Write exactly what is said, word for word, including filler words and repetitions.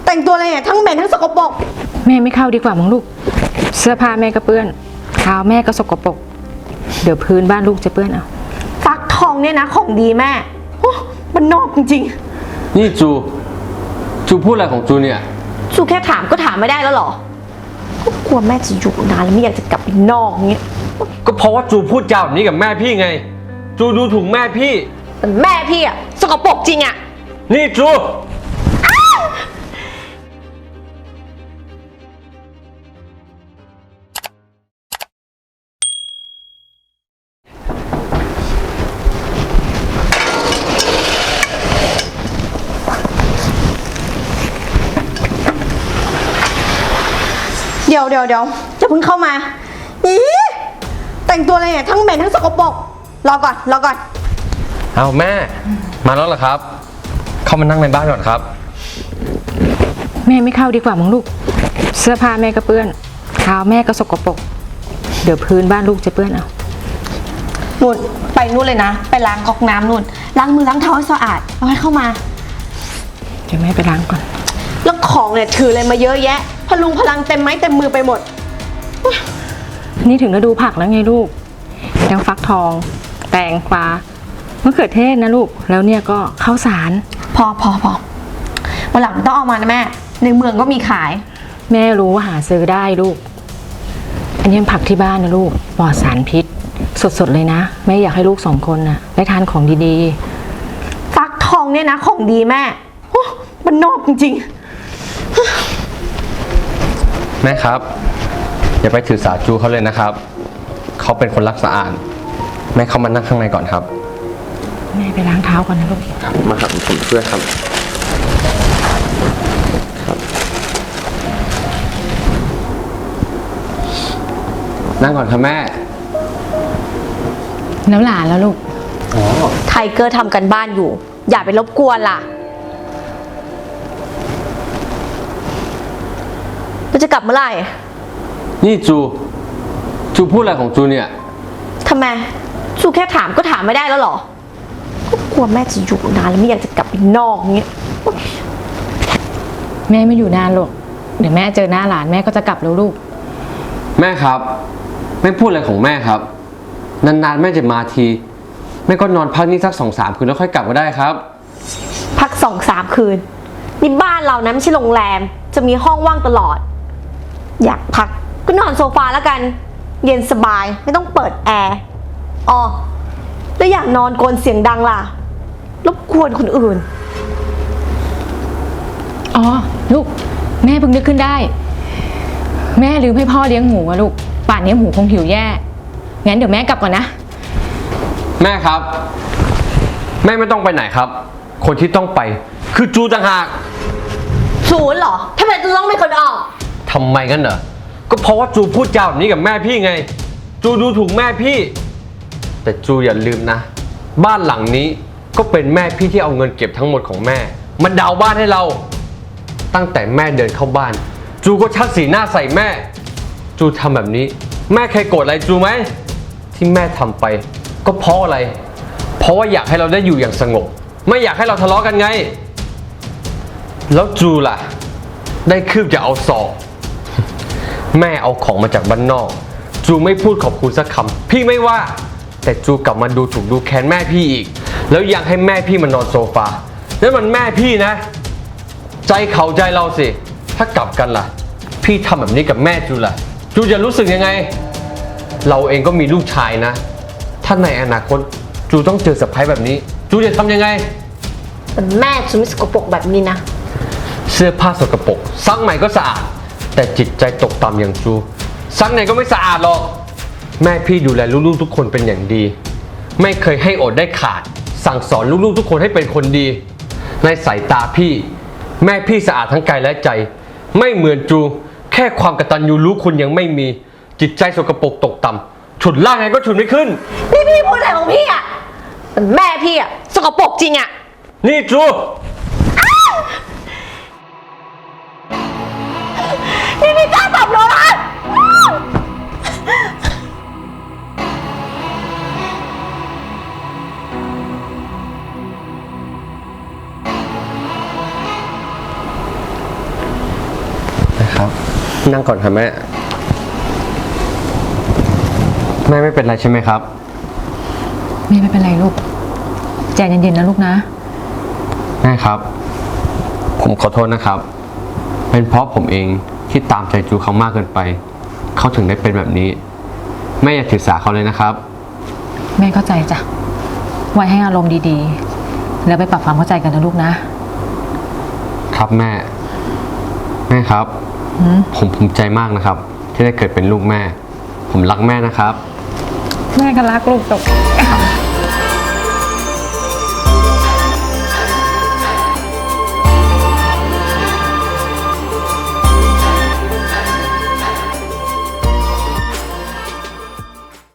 แต่งตัวอะไรเนี่ยทั้งเหม็นทั้งสกปรกแม่ไม่เข้าดีกว่ามั้งลูกเสื้อผ้าแม่ก็เปื้อนเท้าแม่ก็สกปรกเดี๋ยวพื้นบ้านลูกจะเปื้อนเอาฟักทองเนี่ยนะของดีแม่มันนอกจริงๆนี่จูจูพูดอะไรของจูเนี่ยจูแค่ถามก็ถามไม่ได้แล้วหรอก็กลัวแม่จะอยู่นานแล้วไม่อยากจะกลับไปนอกเงี้ยก็เพราะว่าจูพูดจาแบบนี้กับแม่พี่ไงจูดูถูกแม่พี่แต่แม่พี่อะสกปรกจริงอะนี่จูเดี๋ยวเดี๋ยวเดี๋ยวจะเพิ่งเข้ามาอีแต่งตัวอะไรเนี่ยทั้งเหม็นทั้งสกปรกรอก่อนรอก่อนเอาแม่มาแล้วเหรอครับเข้ามานั่งในบ้านก่อนครับแม่ไม่เข้าดีกว่ามั้งลูกเสื้อผ้าแม่ก็เปื้อนเท้าแม่ก็สกปรกเดี๋ยวพื้นบ้านลูกจะเปื้อนเอานู่นไปนู่นเลยนะไปล้างก๊อกน้ำนู่นล้างมือล้างเท้าให้สะอาดแล้วให้เข้ามาเดี๋ยวแม่ไปล้างก่อนแล้วของเนี่ยถืออะไรมาเยอะแยะพลุงพลังเต็มไม้เต็มมือไปหมดนี่ถึงฤดูผักแล้วไงลูกยังฟักทองแตงกวามะเขือเทศนะลูกแล้วเนี่ยก็ข้าวสารพอพอพอวันหลังต้องเอามานะแม่ในเมืองก็มีขายแม่รู้ว่าหาซื้อได้ลูกอันนี้ผักที่บ้านนะลูกปลอดสารพิษสดๆเลยนะแม่อยากให้ลูกสองคนน่ะได้ทานของดีๆฟักทองเนี่ยนะของดีแม่มันนอกจริงๆแม่ครับอย่าไปถือสาจูเขาเลยนะครับเขาเป็นคนรักสะอาดแม่เข้ามานั่งข้างในก่อนครับแม่ไปล้างเท้าก่อนนะลูกครับมาครับผมช่วยครับครับนั่งก่อนครับแม่แล้วหลานแล้วลูกอ๋อไทเกอร์ทำกันบ้านอยู่อย่าไปรบกวนล่ะจะกลับเมื่อไหร่นี่จูจูพูดอะไรของจูเนี่ยทำไมจูแค่ถามก็ถามไม่ได้แล้วหรอก็กลัวแม่จะอยู่นานแล้วไม่อยากจะกลับไปนอกเงี้ยแม่ไม่อยู่นานหรอกเดี๋ยวแม่เจอหน้าหลานแม่ก็จะกลับแล้วลูกแม่ครับแม่พูดอะไรของแม่ครับนานๆแม่จะมาทีแม่ก็นอนพักนี่สักสองสามคืนแล้วค่อยกลับก็ได้ครับพักสองสามคืนนี่บ้านเรานะไม่ใช่โรงแรมจะมีห้องว่างตลอดอยากพักก็นอนโซฟาแล้วกันเย็นสบายไม่ต้องเปิดแอร์อ๋อแล้วอยากนอนโกนเสียงดังล่ะรบกวนคนอื่นอ๋อลูกแม่เพิ่งนึกขึ้นได้แม่ลืมให้พ่อเลี้ยงหมูอะลูกป่านนี้หมูคงหิวแย่งั้นเดี๋ยวแม่กลับก่อนนะแม่ครับแม่ไม่ต้องไปไหนครับคนที่ต้องไปคือจูต่างหากจูเหรอทำไมจูต้องเป็นคนออกทำไมกันเหรอก็เพราะว่าจูพูดจาแบบนี้กับแม่พี่ไงจูดูถูกแม่พี่แต่จูอย่าลืมนะบ้านหลังนี้ก็เป็นแม่พี่ที่เอาเงินเก็บทั้งหมดของแม่มาดาวบ้านให้เราตั้งแต่แม่เดินเข้าบ้านจูก็ชักสีหน้าใส่แม่จูทำแบบนี้แม่เคยโกรธอะไรจูไหมที่แม่ทำไปก็เพราะอะไรเพราะว่าอยากให้เราได้อยู่อย่างสงบไม่อยากให้เราทะเลาะกันไงแล้วจูล่ะได้คืบจะเอาศอกแม่เอาของมาจากบ้านนอกจูไม่พูดขอบคุณสักคำพี่ไม่ว่าแต่จูกลับมาดูถูกดูแค้นแม่พี่อีกแล้วยังให้แม่พี่มานอนโซฟานั่นมันแม่พี่นะใจเขาใจเราสิถ้ากลับกันล่ะพี่ทำแบบนี้กับแม่จูล่ะจูจะรู้สึกยังไงเราเองก็มีลูกชายนะถ้าในอนาคตจูต้องเจอสะพ้ายแบบนี้จูจะทำยังไงแต่แม่จูไม่สกปรกแบบนี้นะเสื้อผ้าสกปรกซักใหม่ก็สะอาดแต่จิตใจตกต่ำอย่างจูซักไหนก็ไม่สะอาดหรอกแม่พี่ดูแลลูกๆทุกคนเป็นอย่างดีไม่เคยให้อดได้ขาดสั่งสอนลูกๆทุกคนให้เป็นคนดีในสายตาพี่แม่พี่สะอาดทั้งกายและใจไม่เหมือนจูแค่ความกตัญญูรู้คุณยังไม่มีจิตใจสกปรกตกต่ำฉุดล่างไงก็ฉุดไม่ขึ้นพี่พี่พูดอะไรของพี่อ่ะแต่แม่พี่อ่ะสกปรกจริงอ่ะนี่จูนี่พี่กล้าตบหนูเหรอพนั่งก่อนครับแม่ แม่ไม่เป็นไรใช่ไหมครับแม่ไม่เป็นไรลูกใจเย็นๆนะลูกนะแม่ครับ ผมขอโทษนะครับ เป็นเพราะผมเองที่ตามใจจูเขามากเกินไป เขาถึงได้เป็นแบบนี้ แม่อย่าถือสาเขาเลยนะครับแม่เข้าใจจ้ะไว้ให้อารมณ์ดีๆ แล้วไปปรับความเข้าใจกันนะลูกนะครับแม่ แม่ครับหืมผมภูมิใจมากนะครับ ที่ได้เกิดเป็นลูกแม่ ผมรักแม่นะครับแม่ก็รักลูกตก